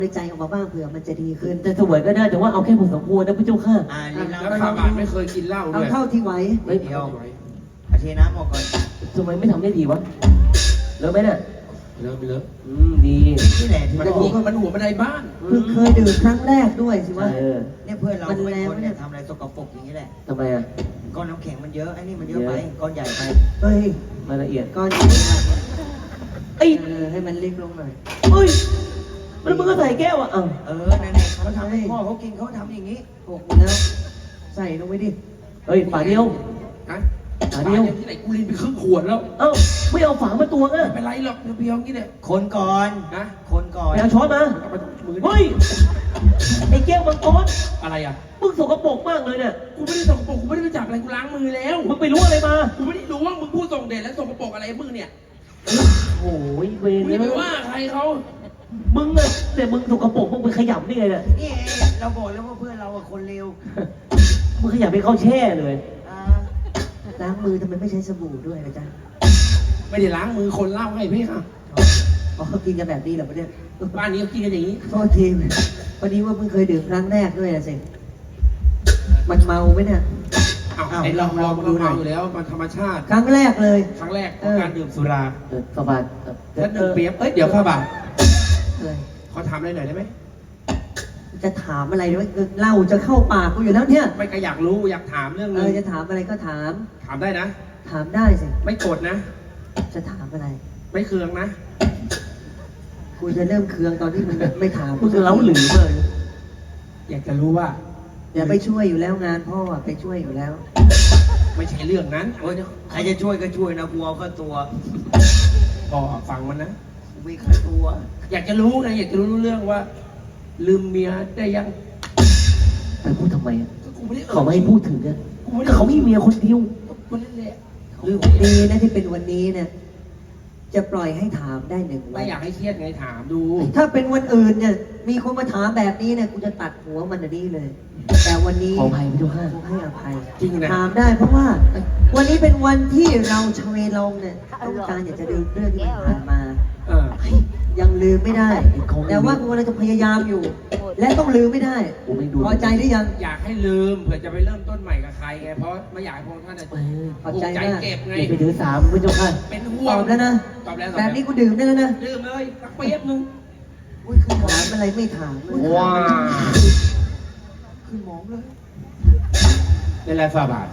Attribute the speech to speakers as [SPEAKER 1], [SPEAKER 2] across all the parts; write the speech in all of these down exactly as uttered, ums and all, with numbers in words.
[SPEAKER 1] ในใจออกมาบ้างเผื่อมันจะดีขึ้น
[SPEAKER 2] แต่สวยก็ได้แต่ว่าเอาแค่พอสมควรนะพี่เจ้าค่ะ
[SPEAKER 3] อ่าลิ้น
[SPEAKER 4] แล้ว
[SPEAKER 3] เรา
[SPEAKER 4] ข้าวบาทไม่เคยกินเหล้าด้
[SPEAKER 1] เอา
[SPEAKER 4] วย
[SPEAKER 1] เท่าที่ไหว
[SPEAKER 2] เฮ้ย
[SPEAKER 3] เดียวอาเทน้ำออกก่อน
[SPEAKER 2] ทำไมไม่ทำได้ดีวะเลิกไหมเนี่ย
[SPEAKER 4] เลิฟเลิฟ
[SPEAKER 2] อืมดี
[SPEAKER 3] นี่แหละที่
[SPEAKER 4] มัน
[SPEAKER 3] เรา
[SPEAKER 4] หัวมันหัวบันไดบ้าน
[SPEAKER 1] เพิ่งเคยดื่มครั้งแรกด้วยสิวะ
[SPEAKER 2] เออ
[SPEAKER 3] เนี่ยเพื่อนเรา
[SPEAKER 1] มัน
[SPEAKER 3] เป็น
[SPEAKER 1] แรง
[SPEAKER 3] คน
[SPEAKER 1] ไหมเนี่
[SPEAKER 3] เนี่ย ยทำอะไรสกปรกอย่างนี้แหละ
[SPEAKER 2] ทำไมอ่ะ
[SPEAKER 3] ก้อนน้ำแข็งมันเยอะไอ้นี่มันเยอะไปก้อนใหญ่ไป
[SPEAKER 1] เฮ้ย
[SPEAKER 2] รายละเอียด
[SPEAKER 1] ก้อนนี้นะ
[SPEAKER 2] ไอ้ย
[SPEAKER 1] เออให้มันเล็กลงหน่อย
[SPEAKER 2] เฮ้ยมันมึงก็ใส่แก้วอ่ะอ้าว
[SPEAKER 3] เออนั่นแหละเขาทำให้พ่อเขากินเขาทำอย่างนี้
[SPEAKER 1] หกแล้วใส่ลงไปดิ
[SPEAKER 2] เฮ้ยฝาเดียว
[SPEAKER 4] ฮะ
[SPEAKER 2] ฝาเดียว
[SPEAKER 4] ที่ไหนกูลินไปครึ่งขวดแล้ว
[SPEAKER 2] เอ้าไม่เอาฝามาตวงอ่ะ
[SPEAKER 4] ไม่เป็นไรหรอกเพียวๆงี้เนี่ย
[SPEAKER 3] คนก่อน
[SPEAKER 4] นะ
[SPEAKER 3] คนก่อน
[SPEAKER 2] ไปเอาช้อนมา
[SPEAKER 4] เอาไปมือ
[SPEAKER 2] เฮ้ยไอ้แก้วมังกร
[SPEAKER 4] อะไรอ่ะ
[SPEAKER 2] มึงสกปรกมากเลยเนี่ย
[SPEAKER 4] กูไม่ได้ส่งกระปรกกูไม่ได้ไปจับอะไรกูล้างมือแล้ว
[SPEAKER 2] มึงไปรู้อะไรมา
[SPEAKER 4] กูไม่ได้รู้ว่ามึงพูดส่งเดชแล้วส่งกระปรกอะไรมึงเนี่ย
[SPEAKER 2] โอ้ยเวร
[SPEAKER 4] มึง
[SPEAKER 2] เล
[SPEAKER 4] จะไป
[SPEAKER 2] ย
[SPEAKER 4] ว่าใครเขา
[SPEAKER 2] มึงอะแต่มึงสกปรกมึงไปขยับได้ไงเนี่ย
[SPEAKER 3] นี่เราบอกแล้วว่าเพื่อนเราอะคนเลว
[SPEAKER 2] มึงขยับไปเข้าแช่เลย
[SPEAKER 3] อ่า
[SPEAKER 1] ล้างมือทำไมไม่ใช้สบู่ด้วยนะจ๊ะ
[SPEAKER 4] ไม่ได้ล้างมือคนเล่าให้พี่ค่ะ
[SPEAKER 1] อ๋อเขากินกันแบบนี้เหรอปะเนี่ย
[SPEAKER 4] บ้านนี้เขากินกันอย่างนี้
[SPEAKER 1] โทษทีวันนี้ว่าเพิ่งเคยดื่มครั้งแรกด้วยนะสิมันเมาไหมเนี่ย
[SPEAKER 4] อ้าวไอ้เราลองดูหน่อยอยู่แล้วมันธรรมชาติ
[SPEAKER 1] ครั้งแรกเลย
[SPEAKER 4] ครั้งแรกของการดื่มสุรา
[SPEAKER 2] เออสบายเออ
[SPEAKER 4] แล้วดื่มเปียบเอ้ยเดี๋ยวข้าบาท
[SPEAKER 1] เลย
[SPEAKER 4] ขอถามอะไรหน่อยได้ไหม
[SPEAKER 1] จะถามอะไรด้วยเหล้าจะเข้าปากกูอยู่แล้วเนี่ย
[SPEAKER 4] ไม่ก็อยากรู้อยากถามเรื่อง
[SPEAKER 1] เอ
[SPEAKER 4] นึง
[SPEAKER 1] อจะถามอะไรก็ถาม
[SPEAKER 4] ถามได้นะ
[SPEAKER 1] ถามได้สิ
[SPEAKER 4] ไม่โกรธนะ
[SPEAKER 1] จะถามอะไร
[SPEAKER 4] ไม่เคืองนะ
[SPEAKER 1] กูจะเริ่มเคืองตอนที่มึงไม่ถาม
[SPEAKER 2] มึงเล้าหรือเลย
[SPEAKER 4] อยากจะรู้ว่า
[SPEAKER 1] เดี๋ยวไปช่วยอยู่แล้วงานพ่ออะไปช่วยอยู่แล้ว
[SPEAKER 4] ไม่ใช่เรื่องนั้น
[SPEAKER 3] โอ้ยใครจะช่วยก็ช่วยนะกูเอาเข้าตัว
[SPEAKER 4] พอฟังมันนะ
[SPEAKER 3] กูมีค่าตัว
[SPEAKER 4] อยากจะรู้ไงอยากจะรู้เรื่องว่า ลืมเมียได้ยัง
[SPEAKER 2] ไปพูดทำไมอะ
[SPEAKER 4] ก็กูไม่ได้
[SPEAKER 2] เขาไม่ให้พูดถึงอะ
[SPEAKER 4] กูไม่ได้
[SPEAKER 2] ก็เขามีเมียคนเดียว
[SPEAKER 4] คนนั่นแหละ
[SPEAKER 1] ลืมดีนะที่เป็นวันนี้เนี่ยจะปล่อยให้ถามได้หนึ่งวั
[SPEAKER 4] ไม่
[SPEAKER 1] น
[SPEAKER 4] อยากให้เครียดไงถามดู
[SPEAKER 1] ถ้าเป็นวันอื่นเนี่ยมีคนมาถามแบบนี้เนี่ยกูจะตัดหัวมันอันนี้เลย แต่วันนี้
[SPEAKER 2] ขออภัยพี่ทุกท่าน
[SPEAKER 1] กูให้อภัย
[SPEAKER 4] จริงนะ
[SPEAKER 1] ถามได้เพราะว่า วันนี้เป็นวันที่เราชเวลองเนี่ยต้องการอยากจะลืมเรื่องที่มันผ่านมา
[SPEAKER 4] เออ
[SPEAKER 1] ยังลืมไม่ได้ แต่ว่ากูกำลังจะพยายามอยู่ และต้องลืมไม่ได้
[SPEAKER 2] กูไม่ดู
[SPEAKER 1] พอใจหรือยัง
[SPEAKER 4] อยากให้ลืมเผื่อจะไปเริ่มต้นใหม่กับใครไงเพราะไม่อยากให้พวกท่านน่ะ
[SPEAKER 2] เออ
[SPEAKER 1] ขอบ
[SPEAKER 4] ผูก
[SPEAKER 1] ใจ
[SPEAKER 4] ใจ
[SPEAKER 1] มาก
[SPEAKER 4] เก็บไง
[SPEAKER 2] อย่าไปถือสามพี่เจ้าค่ะ
[SPEAKER 4] เป็นห่
[SPEAKER 1] ต
[SPEAKER 4] ว
[SPEAKER 1] อง บแล้วนะ
[SPEAKER 4] ตอบแล้วตอ
[SPEAKER 1] แบบ
[SPEAKER 4] ล้ว
[SPEAKER 1] นี้กูดื่มได้แล้วนะ
[SPEAKER 4] ดื่มเลยสักเปี๊ยบนึง
[SPEAKER 1] อุ้ยขึ้นหมองอะไรไม่ถามเลย
[SPEAKER 4] ว้า
[SPEAKER 1] ขึ้นหมองเลย
[SPEAKER 4] ในแหละฝาบาท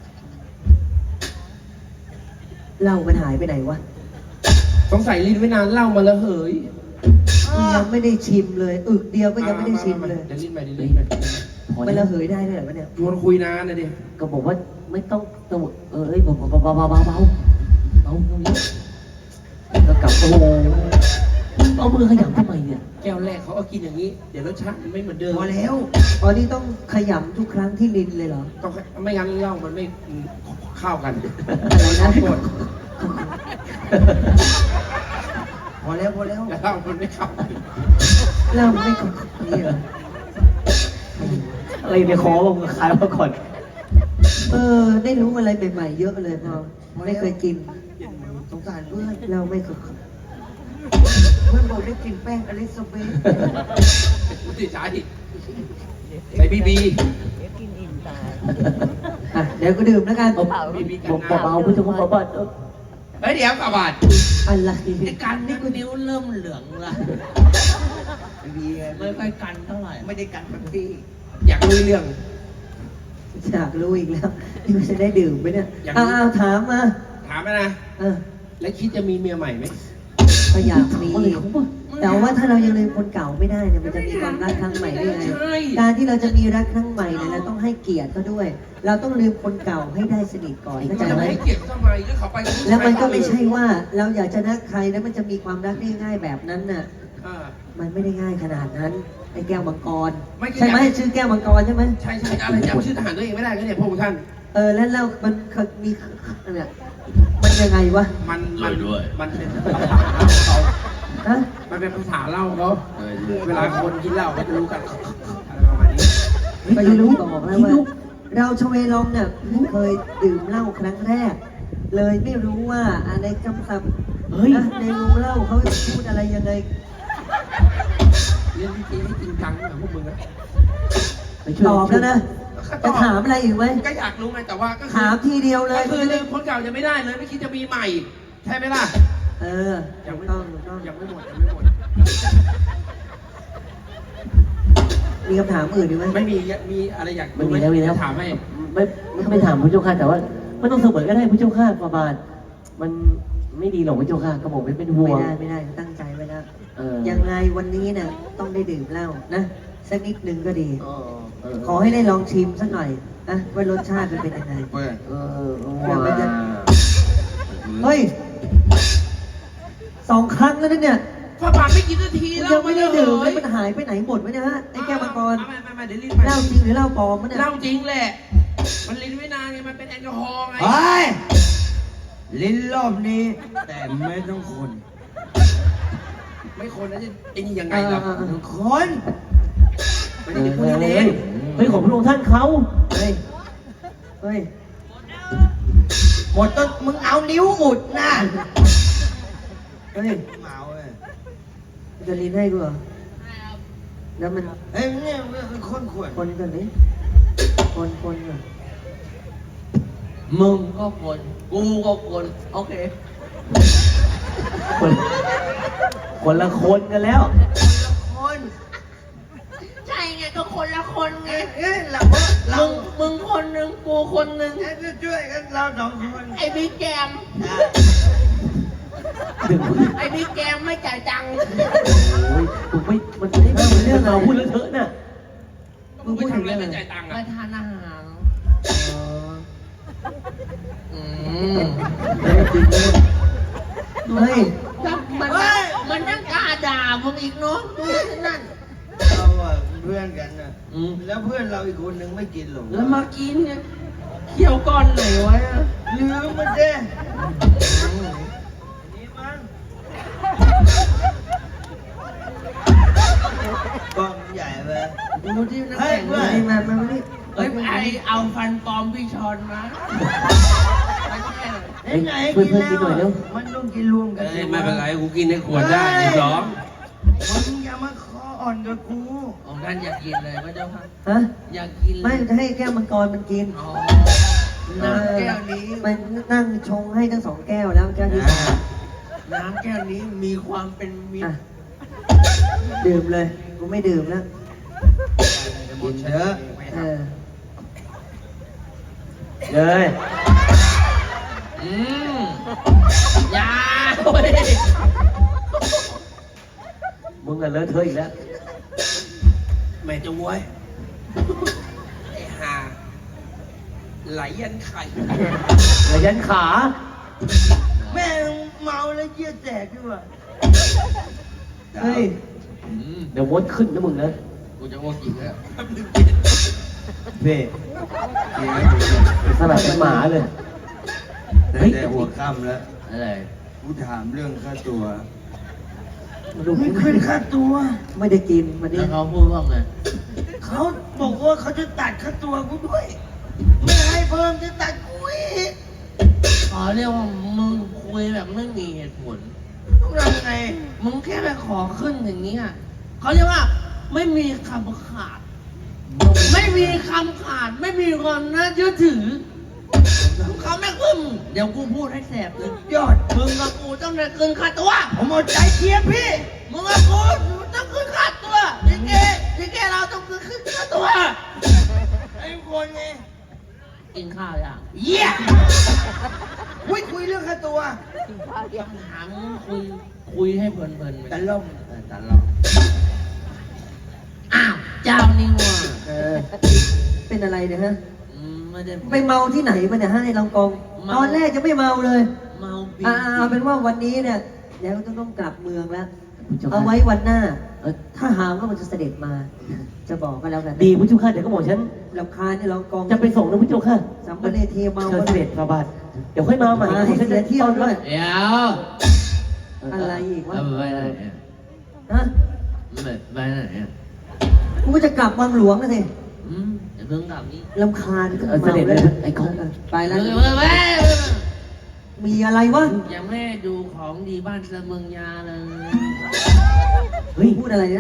[SPEAKER 1] เหล้ามันหายไปไหนวะ
[SPEAKER 4] สงสัยลิ้นไว้นานเหล่ามาแล้วเหย
[SPEAKER 1] ยังไม่ได้ชิมเลย อึกเดียวก็ยังไม่ได้ชิมเลย
[SPEAKER 4] เดี๋ยวลิ้นไปเดี๋ยวลิ้นไป
[SPEAKER 2] พอ
[SPEAKER 1] มัน
[SPEAKER 2] แล้
[SPEAKER 1] ระ
[SPEAKER 2] ว
[SPEAKER 1] เหยได้ด้วยเหรอวะเนี่ย
[SPEAKER 4] ชวนคุยนานนะดิ
[SPEAKER 2] ก็บอกว่าไม่ต้องต้องเออเอ้ยเบาเบาเบาเบาเบาเบาเบาเบาก็กลับโอ้โหเอามือขยับทำไมเนี่ย
[SPEAKER 4] แก้วแรกเขาก็กินอย่างนี้ เดี๋ยวรสชาติมันไม่เหมือนเดิม
[SPEAKER 3] พอแล้ว
[SPEAKER 1] อ๋อนี่ต้องขยำทุกครั้งที่ลินเลยเหรอ
[SPEAKER 4] ต้องไม่งั้นเหล้ามันไม่เข้ากัน
[SPEAKER 1] อะไรนะ
[SPEAKER 4] โทษ
[SPEAKER 3] พอแล้วพอแล้ว
[SPEAKER 4] แล้วเหล้ามันไม่เข้ากัน
[SPEAKER 1] เหล้าไม่ขมนี่เหรอ
[SPEAKER 2] อะไรในคอมึงคายมาก่อน
[SPEAKER 1] เออ ได้รู้อะไรใหม่ๆเยอะเลยพอไม่เคยกิน
[SPEAKER 3] สงสารเพื่อน
[SPEAKER 1] เหล้าไม่ขม
[SPEAKER 3] เพื่อนบอกได้กลินแป้งอลิซาเบธ
[SPEAKER 4] กูติดใจใส่บีบี
[SPEAKER 1] อ่ะเดี๋ยวก็ดื่มแล้วกัน
[SPEAKER 4] บีบีกัน
[SPEAKER 2] ผม
[SPEAKER 4] น้
[SPEAKER 2] เบาๆพี่เจ้าค่ะเบาๆเออ
[SPEAKER 4] ำเฮ้ยเดี๋ยวฝาบาท
[SPEAKER 1] อะไร
[SPEAKER 4] ไอ้กันนี่กูนิ้วเริ่มเหลืองละ
[SPEAKER 3] ไม่มีไง
[SPEAKER 4] ไม่ค่อยกันเท่าไหร่
[SPEAKER 3] ไม่ได้กันแบบพี่
[SPEAKER 4] อยากรู้เรื่อง
[SPEAKER 1] อยากรู้อีกแล้วนี่มันจะได้ดื่มไหมเนี่ย
[SPEAKER 4] อยากรู้
[SPEAKER 1] อ้าวถามมา
[SPEAKER 4] ถามนะ
[SPEAKER 1] เออ
[SPEAKER 4] แล้วคิดจะมีเมียใหม่ไหม
[SPEAKER 1] ก็อยากมี
[SPEAKER 2] อะไรของมึง
[SPEAKER 1] แต่ว่าถ้าเรายังลืมคนเก่าไม่ได้เนี่ยมันจะมีความรักครั้งใหม่ได้ไง
[SPEAKER 4] ใช่
[SPEAKER 1] การที่เราจะมีรักครั้งใหม่เนี่ยเราต้องให้เกียรติเขาด้วย เราต้องลืมคนเก่าให้ได้สนิทก่อนเข้าใจ
[SPEAKER 4] จะ
[SPEAKER 1] ไหม
[SPEAKER 4] ให้เกียรติทำไมก็เขาไปกับผู้ชาย
[SPEAKER 1] แล้วมันก็ไม่ใช่ว่าเราอยากจะรักใครแล้วมันจะมีความรักได้ง่ายแบบนั้นน่ะ
[SPEAKER 4] อ่า
[SPEAKER 1] มันไม่ได้ง่ายขนาดนั้นไอ้แก้วมังกร
[SPEAKER 4] ไม่ใช่
[SPEAKER 1] ใช่ไหมชื่อแก้วมังกรใช่ไหม
[SPEAKER 4] ใช่ใช่อะไรจำชื่อทหารตัวเองไม่ได้ก็เนี่ยพวกท่าน
[SPEAKER 1] เออแล้วเรามันมีเนี่ยมันยังไงวะ
[SPEAKER 4] มันมันมันเป็นภาษาเขา
[SPEAKER 1] ฮะ
[SPEAKER 4] มันเป็นภาษาเล่าเขาเวลาคนกินเหล้าก็จะรู้กันอะไรประมาณนี้
[SPEAKER 1] ก็ยังรู้บอกแล้วว่าเราชเวลองเนี่ยเพิ่งเคยดื่มเหล้าครั้งแรก เลยไม่รู้ว่าอะไรจำศัพท์
[SPEAKER 2] เฮ้ย
[SPEAKER 1] นะในวงเล่าเขาพูดอะไรยังไง
[SPEAKER 4] เรียนวิธีให้จริงจังแบบพวกมึงนะ
[SPEAKER 2] ไปช่วย
[SPEAKER 1] ตอบแล้วนะจะถามอะไรอีกไหม
[SPEAKER 4] ก็อยากรู้ไงแต่ว่าก็คือ
[SPEAKER 1] ถามทีเดียวเล
[SPEAKER 4] ก็
[SPEAKER 1] ย
[SPEAKER 4] คือลืมคนเก่ายังไม่ได้เลยไม่คิดจะมีใหม่ใช่ไหมล่ะ
[SPEAKER 1] เออ
[SPEAKER 4] ยังไม่
[SPEAKER 1] ต้องต้อง
[SPEAKER 4] ยังไม่หมดยังไม่หมด
[SPEAKER 1] มีคำถามอื่นอีกไหม
[SPEAKER 4] ไม่มีมีอะไรอยาก
[SPEAKER 2] มันมีแล้วมีแล้ว
[SPEAKER 4] ถามให้
[SPEAKER 2] ไม่ไม่ไม่ถามพระเจ้าค่ะแต่ว่าไม่ต้องเสมอก็ได้พระเจ้าค่ะฟาบาทมันไม่ดีหรอกพระเจ้าค่ะกระหม่อมไม่เป็นห่
[SPEAKER 1] ไม่
[SPEAKER 2] วง
[SPEAKER 1] ได้ไม่ได้ตั้งใจไว้แล้ว
[SPEAKER 2] เออ
[SPEAKER 1] ยังไงวันนี้เนี่ยต้องได้ดื่มเหล้านะสักนิดนึงก็ดี
[SPEAKER 2] เออเออ
[SPEAKER 1] ขอให้ได้ลองชิมสักหน่อยนะว่ารสชาติมันเป็นยังไง
[SPEAKER 4] เปิด
[SPEAKER 2] เออเออ
[SPEAKER 1] เดี๋ยวมันจะ เฮ้ยสองครั้งแล้วนะเนี่ย
[SPEAKER 4] ฝาบาทไม่กินนาที
[SPEAKER 1] มัน
[SPEAKER 4] แล้ว
[SPEAKER 1] ยังไม่ได้ดื่ม
[SPEAKER 4] เล
[SPEAKER 1] แล้ว
[SPEAKER 4] ย
[SPEAKER 1] มันหายไปไหนหมดวะเนี่ยฮะไอ้แก้วมังกร
[SPEAKER 4] ไม่ไม่ไม่เดี๋ยวรีบไป
[SPEAKER 1] เหล้าจริงหรือเหล้าปลอมวะเนี่ย
[SPEAKER 4] เหล้าจริงแหละ มันลิ้นไม่นานไงมันเป็นแอลกอฮอล์ไง
[SPEAKER 3] เฮ้ยลิ้นรอบนี้ แต่ไม่ต้องคน
[SPEAKER 4] ไม่คนแล้วจะไอ้นี่ยังไงล่ะ
[SPEAKER 1] เออเออเออ
[SPEAKER 3] คน
[SPEAKER 4] ไม่ได้พูดเล่น
[SPEAKER 2] เฮ้ยของพระองค์ท่านเขา
[SPEAKER 1] เฮ้ยเฮ้ย
[SPEAKER 3] หมดต้นมึงเอานิ้วอุดนะ
[SPEAKER 1] เฮ้ย
[SPEAKER 3] เมาเว้ย
[SPEAKER 1] จะลิ้นให้กูเหรอแล้วมัน
[SPEAKER 3] เฮ้ยเนี่ยมันคนขวด
[SPEAKER 1] คนก่อนดิคนคนก่อน
[SPEAKER 4] มึงก็คนกูก็คนโอเค
[SPEAKER 2] คนคนละคนกันแล้ว
[SPEAKER 3] คน
[SPEAKER 5] ใช่ไงก็คนละคนไง
[SPEAKER 3] เอ้ยเราเรา
[SPEAKER 5] มึงมึงคนหนึ่งกูคนหนึ่ง
[SPEAKER 3] จะช่วยกันเราสองคน
[SPEAKER 5] ไอ้บิ๊กแกม
[SPEAKER 3] อ่ะ
[SPEAKER 5] ไอ้บิ๊กแกมไม่จ่ายตังค์
[SPEAKER 2] โอ้ยถูกไม่มันไม่ได้เรื่องเราพูดเลอะเทอะน่ะ
[SPEAKER 1] มึงพูดถึง
[SPEAKER 4] ทำอะไร
[SPEAKER 1] เรื่อง
[SPEAKER 4] ไม่
[SPEAKER 1] อะไร
[SPEAKER 4] จ่ายตังค์
[SPEAKER 5] ไป
[SPEAKER 4] อ่ะ
[SPEAKER 5] ทานอาหาร
[SPEAKER 1] อ๋อ
[SPEAKER 5] อืม
[SPEAKER 1] เฮ้ย
[SPEAKER 5] แล้วมันมันยังกล้าด่ามึงอีกเนาะดูสินั่น
[SPEAKER 3] เราอะเพื่อนกันนะ
[SPEAKER 5] อืม
[SPEAKER 3] แล้วเพื่อนเราอีกคนหนึ่งไม่กินหรอก
[SPEAKER 5] แล้วมากินเนี่ยเคี่ยวก้อนไหนไว้อะ
[SPEAKER 3] ลืมมันเด้นี่มั้งกล้องใหญ่ไป
[SPEAKER 5] ดูที่น้ำ
[SPEAKER 3] เฮ้ย
[SPEAKER 5] แข็ง
[SPEAKER 3] เพื่
[SPEAKER 5] ด้
[SPEAKER 3] อ
[SPEAKER 5] วน ย
[SPEAKER 1] มามามาดิ
[SPEAKER 5] เอ้ยไอเอาฟันปลอมพี่ชอนมา
[SPEAKER 2] เฮ้ยเพื่อนเพื่อนกินหน่อยเร็ว
[SPEAKER 3] มันต้องกินรวมกัน
[SPEAKER 4] เอ้ยไม่เป็นไรกูกินในขวดได้ไอ้สอง
[SPEAKER 3] มึงอย่ามาคออ่อนกับกู
[SPEAKER 5] ของท่านอยากกินเลยพระเจ้าค่ะ
[SPEAKER 1] ฮะ
[SPEAKER 5] อยากกินเล
[SPEAKER 1] ไม่
[SPEAKER 5] ย
[SPEAKER 1] จะให้แก้วมังกรมันกิน
[SPEAKER 5] อ๋อน้ำแก้วนี้
[SPEAKER 1] มันนั่งชงให้ทั้งสองแก้วแล้วแก้วที่สาม
[SPEAKER 5] น้ำแก้วนี้มีความเป็นมิต
[SPEAKER 1] อ่ะ
[SPEAKER 5] ร
[SPEAKER 1] ดื่มเลย กูไม่ดื่มแล้ว
[SPEAKER 3] กินเถอะ
[SPEAKER 1] เออ
[SPEAKER 2] เลย
[SPEAKER 5] อืมอยาเว้ย
[SPEAKER 2] มึงอะเลอะเทอะอีกแล้ว
[SPEAKER 4] แม่จะไว้ยไอ้ห่าไหลยันไข่
[SPEAKER 2] ระยันขา
[SPEAKER 3] แม่งเมาแล้วเยี่ยแตกด้วยว่ะ
[SPEAKER 1] เฮ้ย
[SPEAKER 4] อืม
[SPEAKER 2] เดี๋ยวมดขึ้นนะมึงนะ
[SPEAKER 4] กูจะอ้วกอีกแล้ว
[SPEAKER 3] เพ่
[SPEAKER 2] สลับเป็นหมาเลย
[SPEAKER 3] แต่
[SPEAKER 2] เฮ้ย
[SPEAKER 3] แต่หัวค่ำแล้ว
[SPEAKER 4] อะไร
[SPEAKER 3] กูถามเรื่องค่าตัว
[SPEAKER 1] ดู
[SPEAKER 3] ไม่ขึ้นค่าตัว
[SPEAKER 1] ไม่ได้กินวันนี้
[SPEAKER 5] แล้วเขาพูดว่าไง
[SPEAKER 3] เขาบอกว่าเขาจะตัดค่าตัวกูด้วย ไม่ให้เพิ่มจะตัดกูอีก
[SPEAKER 5] ขอเรียกว่ามึงคุยแบบไม่มีเหตุผล
[SPEAKER 3] ต้องทำไง
[SPEAKER 5] มึงแค่ไปขอขึ้นอย่างนี้อ่ะเขาเรียกว่าไม่มีคำขาด ไม่มีคำขาด ไม่มีความน่าเชื่อถือเขาไม่ขึ้น เดี๋ยวกูพูดให้แสบเลย
[SPEAKER 3] ยอด
[SPEAKER 5] มึงกับกูต้องได้ขึ้นค่าตัว
[SPEAKER 3] ผมเอาใจเชียร์พี่
[SPEAKER 5] มึงกับกูต้องขึ้นค่าตัวทีเกทีเกเราต้องขึ้นค่าตัว
[SPEAKER 3] ไอ้คนไง
[SPEAKER 5] กินข้าวยัง
[SPEAKER 3] เยี่ยคุยคุยเรื่องค่าตัว
[SPEAKER 5] ถามคุยคุยให้เพลินๆไป
[SPEAKER 3] ตะล่อมเออตะล่อม
[SPEAKER 5] อ้าวเจ้านี่ว่า
[SPEAKER 1] เออ เป็นอะไรเนี่ยฮะ
[SPEAKER 5] อืมไม่ได้
[SPEAKER 1] ไปเมาที่ไหนมาเนี่ยฮะในลองกอง
[SPEAKER 5] เมา
[SPEAKER 1] ตอนแรกจะไม่เมาเลย
[SPEAKER 5] เมาบี
[SPEAKER 1] อ่าเอาเป็นว่าวันนี้เนี่ยเดี๋ยวจะต้องกลับเมืองแล้ว
[SPEAKER 2] พุทธเจ้า
[SPEAKER 1] เอา
[SPEAKER 2] ค่ะ
[SPEAKER 1] ไว้วันหน้า
[SPEAKER 2] เออ
[SPEAKER 1] ถ้าหากว่ามันจะเสด็จมา จะบอกก็แล้วกัน
[SPEAKER 2] ดีพุทธเจ้าค่ะเดี๋ยวก็บอกฉัน
[SPEAKER 1] ลำคาญในลองกอง
[SPEAKER 2] จะไปส่งนะพุทธเจ้าค่ะ
[SPEAKER 1] สัมภเนเทเมา
[SPEAKER 2] เชิญเสด็จฟาบาทเดี๋ยวค่อยมาใหม่
[SPEAKER 1] มาให้เสียเที่ยวด้วย
[SPEAKER 5] เดี๋ยว
[SPEAKER 1] อะไรอีกวะ
[SPEAKER 5] เอาไปไหนเนี่ย
[SPEAKER 1] ฮะ
[SPEAKER 5] ไปไปไหนเนี่ย
[SPEAKER 1] กูก็จะกลับวังหลวงนะสิ
[SPEAKER 5] อืมเดี๋ยวเพิ่งกลับนี่
[SPEAKER 1] ลำคาญ
[SPEAKER 2] เออเสด็จเลยไอ้กอง
[SPEAKER 1] เไป
[SPEAKER 5] ไป
[SPEAKER 1] แล้ว
[SPEAKER 5] เลยไปไป
[SPEAKER 1] มีอะไรวะ
[SPEAKER 5] ยังไม่ได้ดูของดีบ้านเสมืองยาเลย
[SPEAKER 2] เฮ้ย
[SPEAKER 1] พูดอะไรนะ
[SPEAKER 5] ข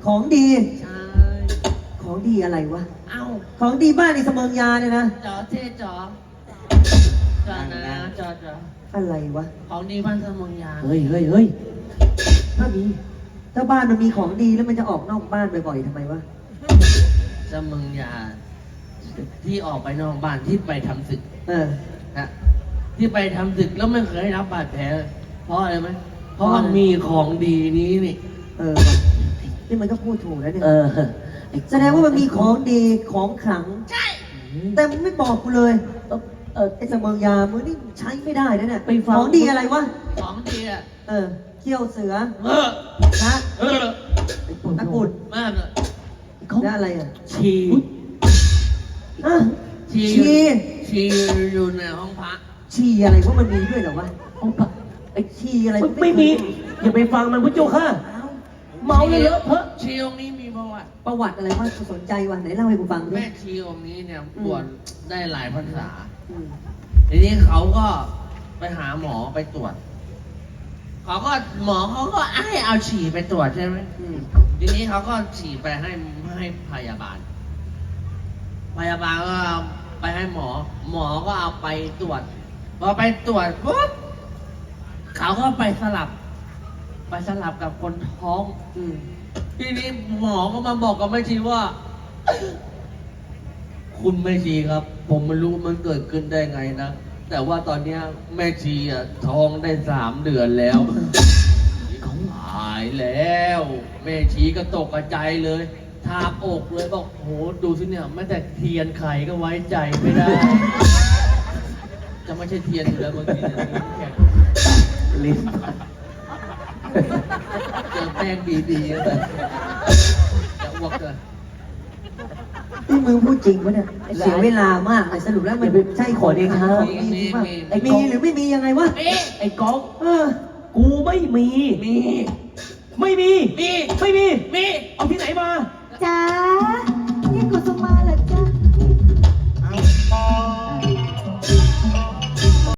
[SPEAKER 1] ของดี
[SPEAKER 5] ใช่
[SPEAKER 1] ของดีอะไรวะ
[SPEAKER 5] เอ้า
[SPEAKER 1] ของดีบ้านในเสมิงยาเนี่ยนะ
[SPEAKER 5] จอเท่จอจอนะจอจอ
[SPEAKER 1] อะไรวะ
[SPEAKER 5] ของดีบ้านสมองยา
[SPEAKER 2] เฮ้ยเฮ้ยเฮ้ยถ้ามี
[SPEAKER 1] ถ้าบ้านมันมีของดีแล้วมันจะออกนอกบ้านบ่อยๆทำไมวะ
[SPEAKER 5] สมองยา ที่ออกไปนอกบ้านที่ไปทำศึก
[SPEAKER 1] เออ
[SPEAKER 5] นะที่ไปทำศึกแล้วไม่เคยรับบาดแผลเพราะอะไรไหมเพราะว่ามีของดีนี้นี่
[SPEAKER 1] เออนี่มันก็พูดถูกแล้วเนี่ย
[SPEAKER 2] เออไอ้
[SPEAKER 1] แสดงว่ามันมีของดีของขลัง
[SPEAKER 5] ใช่
[SPEAKER 1] แต่มึงไม่บอกกูเลย
[SPEAKER 2] เออเออ
[SPEAKER 1] ไอ้เสมิงยามึงนี่ใช้ไม่ได้นะเนี่ย
[SPEAKER 2] ไปฟัง
[SPEAKER 1] ของดีอะไรวะ
[SPEAKER 5] ของดีอ่ะ
[SPEAKER 1] เออเขี้ยวเสือ
[SPEAKER 5] เออ
[SPEAKER 1] นะ
[SPEAKER 5] เออ
[SPEAKER 1] ตะกรุด
[SPEAKER 5] มากเลย
[SPEAKER 1] และอะไรอ่ะ
[SPEAKER 5] ชี
[SPEAKER 1] อ่ะ
[SPEAKER 5] ชี
[SPEAKER 1] ชี
[SPEAKER 5] ชีอยู่ในห้องพระ
[SPEAKER 1] ชีอะไรพวกมันมีด้วยเหรอวะ
[SPEAKER 2] เอาปะ
[SPEAKER 1] ไอ้ชีอะไร
[SPEAKER 2] ไม่ไม่มี อย่าไปฟังมันพุทธเจ้าค่ะ เมาเลยเลอะเทอะ
[SPEAKER 5] ชีองค์นี้มีประวัติ
[SPEAKER 1] ประวัติอะไรวะกูสนใจวะไหนเล่าให้กูฟังด้ว
[SPEAKER 5] แม่
[SPEAKER 1] ย
[SPEAKER 5] ชีองค์นี้เนี่ย
[SPEAKER 1] อืม
[SPEAKER 5] บวชได้หลายพรรษา
[SPEAKER 1] อืม
[SPEAKER 5] ทีนี้เขาก็ไปหาหมอไปตรวจ เขาก็หมอเขาก็ให้เอาฉี่ไปตรวจใช่ไหม
[SPEAKER 1] อืม
[SPEAKER 5] ทีนี้เขาก็ฉี่ไปให้ให้พยาบาล พยาบาลก็ไปให้หมอ หมอก็เอาไปตรวจ พอไปตรวจปุ๊บเขาก็ไปสลับ ไปสลับกับคนท้อง
[SPEAKER 1] อืม
[SPEAKER 5] ทีนี้หมอก็มาบอกกับแม่ชีว่า คุณแม่ชีครับ ผมไม่รู้มันเกิดขึ้นได้ไงนะ แต่ว่าตอนเนี้ยแม่ชีอ่ะท้องได้สามเดือนแล้วเขาหายแล้ว แม่ชีก็ตกใจเลยทาบอกเลยบอกโหดูสิเนี่ยแม้แต่เทียนไขก็ไว้ใจไม่ได้ จะไม่ใช่เทียนอยู่แล้วเมื่อกี้เนี่ยแข็ง
[SPEAKER 2] ลิ้น
[SPEAKER 5] เจอแป้งดีๆแล้วแบบจะอ้วกเลย
[SPEAKER 1] นี่มึงพูดจริงปะเนี่ยเสียเวลามากเลยสรุปแล้วมันใช่ของดีของดีจริงป่ะไอ้มีหรือไม่มียังไงวะ
[SPEAKER 5] มี
[SPEAKER 2] ไอ้ก๊อก
[SPEAKER 1] เออ
[SPEAKER 2] กูไม่มี
[SPEAKER 5] มี
[SPEAKER 2] ไม่มี
[SPEAKER 5] มี
[SPEAKER 2] ไม่มี
[SPEAKER 5] มี
[SPEAKER 2] เอาที่ไหนมา
[SPEAKER 6] จ้า